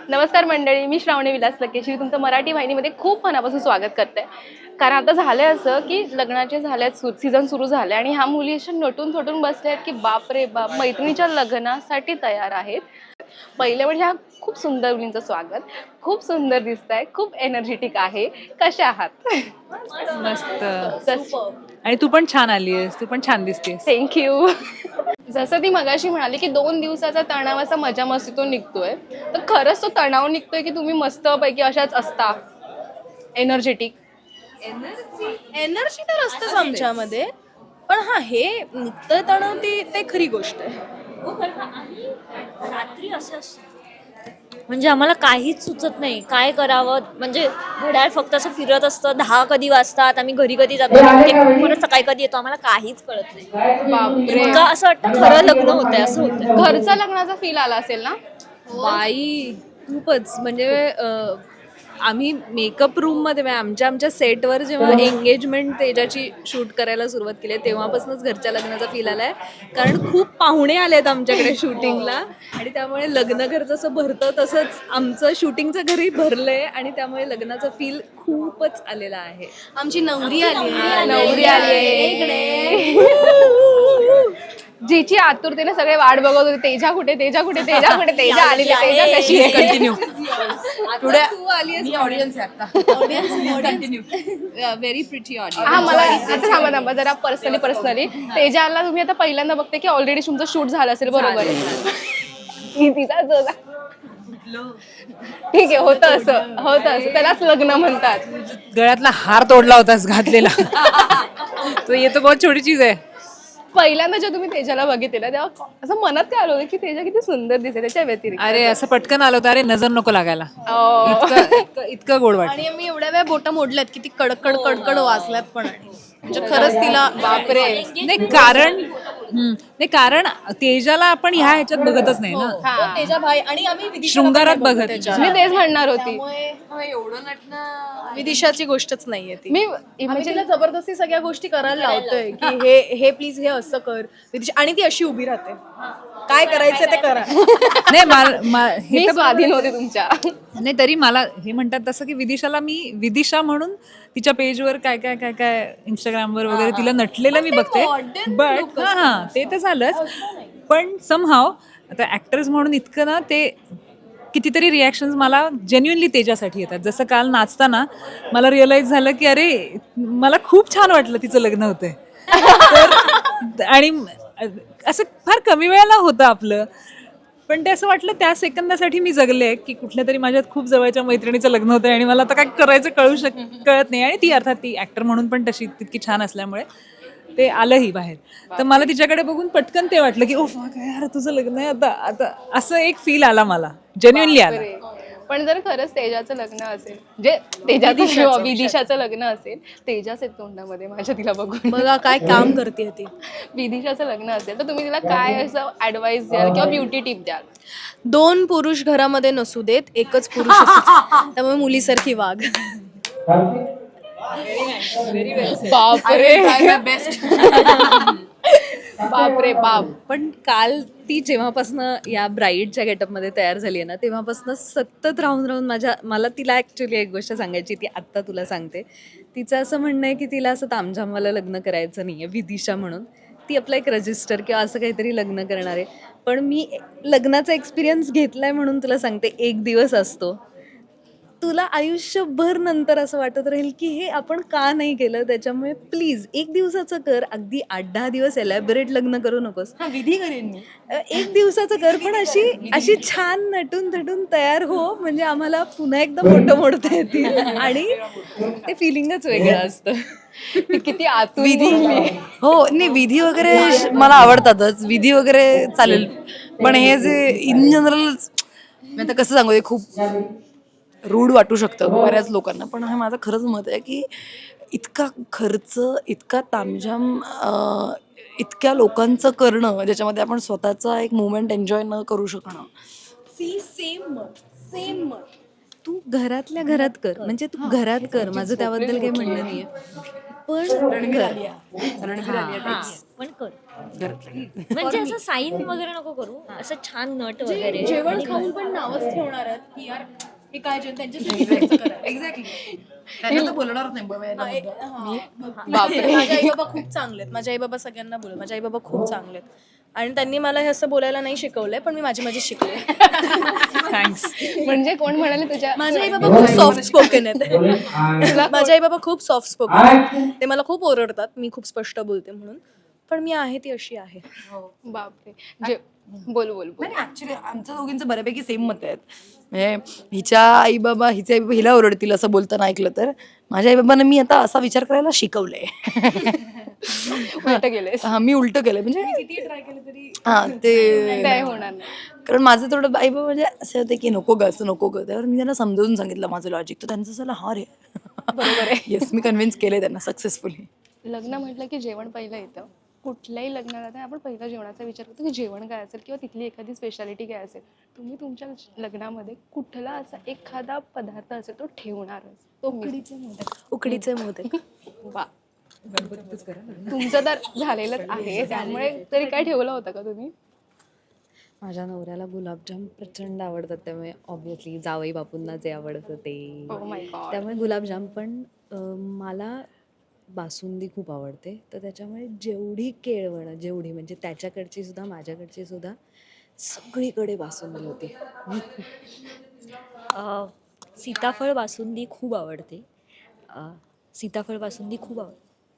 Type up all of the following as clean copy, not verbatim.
नमस्कार मंडळी, मी श्रावणी विलास लकेश्री तुमचं मराठी वाहिनीमध्ये खूप मनापासून स्वागत करते. कारण आता झालंय असं की लग्नाचे झाल्यात, सीझन सुरू झाले आणि ह्या मुली अशा नटून थटून बसल्या आहेत की बाप रे बाप, मैत्रिणीच्या लग्नासाठी तयार आहेत. पहिले म्हणजे ह्या खूप सुंदर मुलींचं स्वागत. खूप सुंदर दिसताय, खूप एनर्जेटिक आहे. कशा आहात? मस्त. आणि तू पण छान आलीयस, तू पण छान दिसतेस. थँक्यू. जसं ती मगाशी म्हणाली की 2 दिवसाचा तणावाचा मजा मस्तीतून निघतोय, तर खरंच तो तणाव निघतोय की तुम्ही मस्तपैकी अशाच असता एनर्जेटिक? एनर्जी तर असतेच आमच्यामध्ये, पण हा हे निघतं तणाव ते खरी गोष्ट आहे. रात्री असं असतं म्हणजे आम्हाला काहीच सुचत नाही काय करावं. म्हणजे घड्याळ फक्त असं फिरत असतं, 10 कधी वाजतात, आम्ही घरी कधी जातो, परत सकाळी कधी येतो, आम्हाला काहीच कळत नाही. बापरे, इतकं असं वाटतं खरं लग्न होतंय असं होतं. घरचा लग्नाचा फील आला असेल ना? बाई खूपच म्हणजे आम्ही मेकअप रूममध्ये आमच्या सेटवर जेव्हा एंगेजमेंट तेजाची शूट करायला सुरुवात केली तेव्हापासूनच घरच्या लग्नाचा फील आलाय. कारण खूप पाहुणे आलेत आमच्याकडे शूटिंगला आणि त्यामुळे लग्न घर जसं भरतं तसंच आमचं शूटिंगचं घरही भरलंय आणि त्यामुळे लग्नाचा फील खूपच आलेला आहे. आमची नवरी आली आहे. नवरी आली. जिची आतुरतेने सगळे वाट बघत होते, तेजा कुठे, तेजा कुठे, तेजा कुठे, तेजा आलेली आहे, तेजा कशी आहे? कंटिन्यू. तू आलीस ऑडियन्स व्हेरी प्रिटी ऑडियन्स. हा, मला आता थांबा जरा पर्सनली तेजाला तुम्ही आता पहिल्यांदा बघते की ऑलरेडी तुमचं शूट झालं असेल, बरोबर? तिचा ठीक आहे, होतं असं त्यालाच लग्न म्हणतात. गळ्यातला हार तोडला होतास घातलेला. तो ये तो बहुत छोटी चीज आहे. पहिल्यांदा जेव्हा तुम्ही तेजाला बघितलेलं तेव्हा असं मनात काय आलं होतं की तेजा किती सुंदर दिसते त्याच्या व्यतिरिक्त? अरे असं पटकन आलं होतं, अरे नजर नको लागायला. अं, इतकं गोड वाटत. आणि मी एवढ्या वेळा बोटा मोडल्यात की ती कडकड वाजल्यात पण. आणि म्हणजे खरंच तिला बापरे. नाही कारण तेजाला आपण ह्या ह्याच्यात बघतच नाही ना, तेजा भाई आणि आम्ही विदिशाला शृंगारात पण नाही बघत. त्याच्या. मी तेच म्हणणार होती. त्यामुळे एवढं नटणं विदिशाची गोष्टच नाहीये ती. मी आम्ही तिला जबरदस्ती सगळ्या गोष्टी करायला लावतोय की हे प्लीज हे असं कर विदिशा, आणि ती अशी उभी राहते, काय करायचं ते करा. नाही हे मी तर स्वाधीन होते तुमच्या. नाही तरी मला हे म्हणतात तसं की विदिशाला मी विदिशा म्हणून तिच्या पेजवर काय काय काय काय इंस्टाग्रामवर वगैरे तिला नटलेलं मी बघते. बट हा ते तर झालंच, पण समहाव आता ऍक्टर्स म्हणून इतकं ना ते कितीतरी रिॲक्शन्स मला जेन्युइनली तेजासाठी येतात. जसं काल नाचताना मला रिअलाइज झालं की अरे मला खूप छान वाटलं तिचं लग्न होतंय. आणि असं फार कमी वेळेला होतं आपलं, पण ते असं वाटलं त्या सेकंदासाठी मी जगले की कुठल्या तरी माझ्यात खूप जवळच्या मैत्रिणीचं लग्न होतं आणि मला आता काय करायचं कळत नाही. आणि ती अर्थात ती ऍक्टर म्हणून पण तशी तितकी छान असल्यामुळे ते आलंही बाहेर. तर मला तिच्याकडे बघून पटकन ते वाटलं की ओ काय यार तुझं लग्न आहे आता आता, असं एक फील आला मला, जेन्युइनली आला. पण जर खरंच तेजाचं लग्न असेल, जे तेजाचं विदिशाचं लग्न असेल, तेजाच येत तोंडामध्ये माझ्या तिला बघून. बघा काय काम करते ती. विदिशाचं लग्न असेल तर तुम्ही तिला काय असं ऍडवाइस द्याल किंवा ब्युटी टिप द्याल? 2 पुरुष घरामध्ये नसू देत, एकच पुरुष असू दे. त्यामुळे मुलीसारखी वाघ. बापरे, बापरे बाप. पण काल ती जेव्हापासनं या ब्राईडच्या गेटअपमध्ये तयार झाली आहे ना, तेव्हापासनं सतत राहून मला तिला ॲक्च्युली एक गोष्ट सांगायची, ती आत्ता तुला सांगते. तिचं असं म्हणणं आहे की तिला असं तामझामवालं लग्न करायचं नाही आहे विदिशा म्हणून. ती आपलं एक रजिस्टर किंवा असं काहीतरी लग्न करणार आहे. पण मी लग्नाचा एक्सपिरियन्स घेतला आहे म्हणून तुला सांगते, 1 दिवस असतो, तुला आयुष्यभर नंतर असं वाटत राहील की हे आपण का नाही केलं. त्याच्यामुळे प्लीज 1 दिवसाचं कर, अगदी 8-10 दिवस एलॅबरेट लग्न करू नकोस. विधी करेन मी. 1 दिवसाचं कर, पण अशी छान नटून थटून तयार हो, म्हणजे आम्हाला पुन्हा एकदा फोटो मोडता येतील आणि ते फिलिंगच वेगळं असतं. किती आतून विधी बोलली. हो नाही, विधी वगैरे मला आवडतातच, विधी वगैरे चालेल. पण हे जे इन जनरल मी आता कसं सांगू, हे खूप रूढ वाटू शकतं बऱ्याच लोकांना, पण हे माझं खरंच मत आहे की इतका खर्च, इतका तामझाम इतक्या लोकांचं करणं ज्याच्यामध्ये आपण स्वतःचा एक मोमेंट एन्जॉय न करू शकणं. सेम मत. तू घरातल्या घरात कर, म्हणजे तू घरात कर, माझं त्याबद्दल काही म्हणणं नाहीये, पण हा, पण कर. म्हणजे असं साईन वगैरे नको करू, असं छान नट वगैरे. जेवण खाऊन पण नावच ठेवणार आहेत की यार हे काय जेवण त्यांच्यासाठी खर्च करायचं. एक्झॅक्टली त्यांना तर बोलणारच नाही बाबा याला मुद्दा. बापरे, माझे आई बाबा खूप चांगले आहेत. माझे आई बाबा सगळ्यांना बोलत, माझे आई बाबा खूप चांगले आहेत आणि त्यांनी मला हे असं बोलायला नाही शिकवलंय, पण मी माझी शिकले. थँक्स. म्हणजे कोण म्हणाले तुझ्या माझे आई बाबा खूप सॉफ्ट स्पोकन आहेत. माझे आई बाबा खूप सॉफ्ट स्पोकन आहेत. ते मला खूप ओरडतात मी खूप स्पष्ट बोलते म्हणून, पण मी आहे ती अशी आहे. बापरे जे बोल बोल बोल. नाही ऍक्च्युली आमच्या दोघींचं बऱ्यापैकी सेम मत आहेत. म्हणजे हिच्या आई बाबा हिचे आई बाबा हिला ओरडतील असं बोलताना ऐकलं तर, माझ्या आई बाबांना मी आता असा विचार करायला शिकवलंय. उलट गेलेस. हा मी उलट केलंय म्हणजे हा ते काय होणार नाही. कारण माझं थोडं आई बाबा म्हणजे असं होते की नको ग असं नको ग, त्यावर मी त्यांना समजावून सांगितलं माझं लॉजिक, तर त्यांचं झालं हा रे बरोबर आहे. येस मी कन्व्हिन्स केलंय त्यांना सक्सेसफुली. लग्न म्हटलं की जेवण पहिलं येतं. कुठल्याही लग्नाला तर आपण पहिला जेवणाचा विचार करतो की जेवण काय असेल किंवा तिथली एखादी स्पेशालिटी काय असेल. तुम्ही तुमच्या लग्नामध्ये कुठला असा एखादा पदार्थ असेल तो ठेवणारच. तो उकडीचे मोदक. वा, तुमचं तर झालेलंच आहे, त्यामुळे तरी काय ठेवलं होतं का तुम्ही? माझ्या नवऱ्याला गुलाबजाम प्रचंड आवडतात, त्यामुळे ऑब्व्हियसली जावई बापूंना जे आवडतं ते, Oh my God. त्यामुळे गुलाबजाम. पण मला बासुंदी खूप आवडते, तर त्याच्यामुळे जेवढी केळवणं, जेवढी म्हणजे त्याच्याकडची सुद्धा माझ्याकडची सुद्धा सगळीकडे बासुंदी होती. सीताफळ बासुंदी खूप आवडते. सीताफळ बासुंदी खूप आवडते.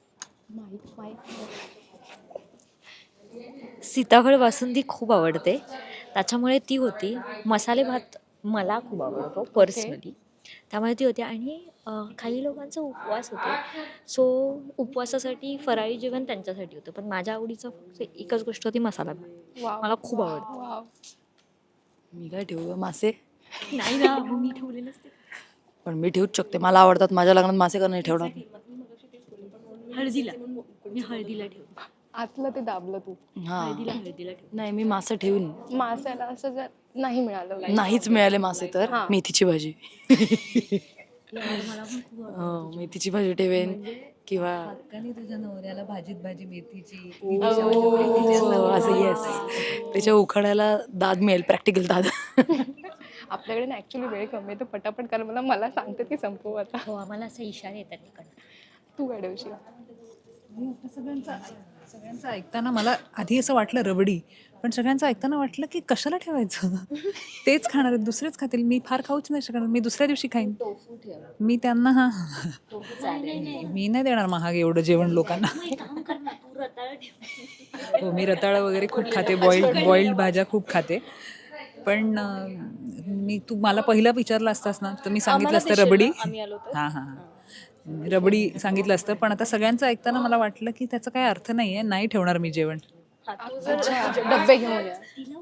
सीताफळ बासुंदी खूप आवडते, त्याच्यामुळे ती होती. मसाले भात मला खूप आवडतो पर्सनली, त्यामुळे ती होती. आणि काही लोकांचा उपवास होते, सो उपवासासाठी फराळी जेवण त्यांच्यासाठी होतं, पण माझ्या आवडीचं फक्त एकच गोष्ट होती, मसाला भात. वाव. मला खूप आवडतं. वाव. मी काय ठेवू मासे? नाही ना, मग मी ठेवलेलंच ते. पण मी ठेवूच शकते, मला आवडतात. माझ्या लग्नात मासे का नाही ठेवणार? हळदीला मी हळदीला ठेवू. आतलं ते दाबलं तू. हा हळदीला ठेवू. नाही मी मासे ठेवून मासाला असं जर नाही मिळालं नाहीच मिळाले मासे तर हा. मेथीची भाजी. मला पण खूप हो, मेथीची भाजी ठेवेन किंवा हक्काने तुझ्या नवऱ्याला भाजीत भाजी मेथीची असं येस त्याच्या उखाड्याला दाद मिळेल, प्रॅक्टिकल दाद. आपल्याकडे ना ऍक्च्युली वेळ कमी आहे, तर पटापट कर. मला सांगते की संपवू आता. हो, आम्हाला असे इशारे येतात तिकडनं. तू काय ठेवशील? सगळ्यांचं ऐकताना मला आधी असं वाटलं रबडी, पण सगळ्यांचं ऐकताना वाटलं की कशाला ठेवायचं, तेच खाणार आहेत, दुसरेच खातील, मी फार खाऊच नाही शकणार, मी दुसऱ्या दिवशी खाईन. मी त्यांना मी नाही देणार महाग एवढं जेवण लोकांना. हो, मी रताळं वगैरे खूप खाते, बॉइल्ड भाज्या खूप खाते. पण तू मला पहिला विचारलं असतास ना, तर मी सांगितलं असतं रबडी. हां हां रबडी सांगितलं असतं, पण आता सगळ्यांचं ऐकताना मला वाटलं की त्याचा काही अर्थ नाहीये, नाही ठेवणार मी जेवण. डब्बे घेऊन या.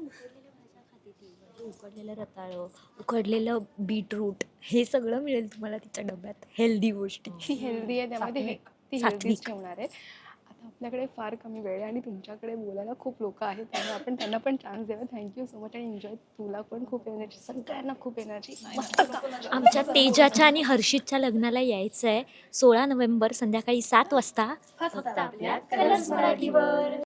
उकडलेलं रताळं, उकडलेलं बीटरूट, हे सगळं मिळेल तुम्हाला तिच्या डब्यात. हेल्दी गोष्टी. ती हेल्दी आहे, त्यामुळे ती हेल्दीच ठेवणार आहे. आता आपल्याकडे फार कमी वेळ आहे आणि तुमच्याकडे बोलायला खूप लोक आहेत, त्यामुळे आपण त्यांना पण चान्स द्यावा. थँक्यू सो मच आणि एन्जॉय. तुला पण खूप एनर्जी, सगळ्यांना खूप एनर्जी. आमच्या तेजाच्या आणि हर्षितच्या लग्नाला यायचं आहे 16 नोव्हेंबर संध्याकाळी 7 वाजता. फक्त आपल्या कलर्स मराठीवर.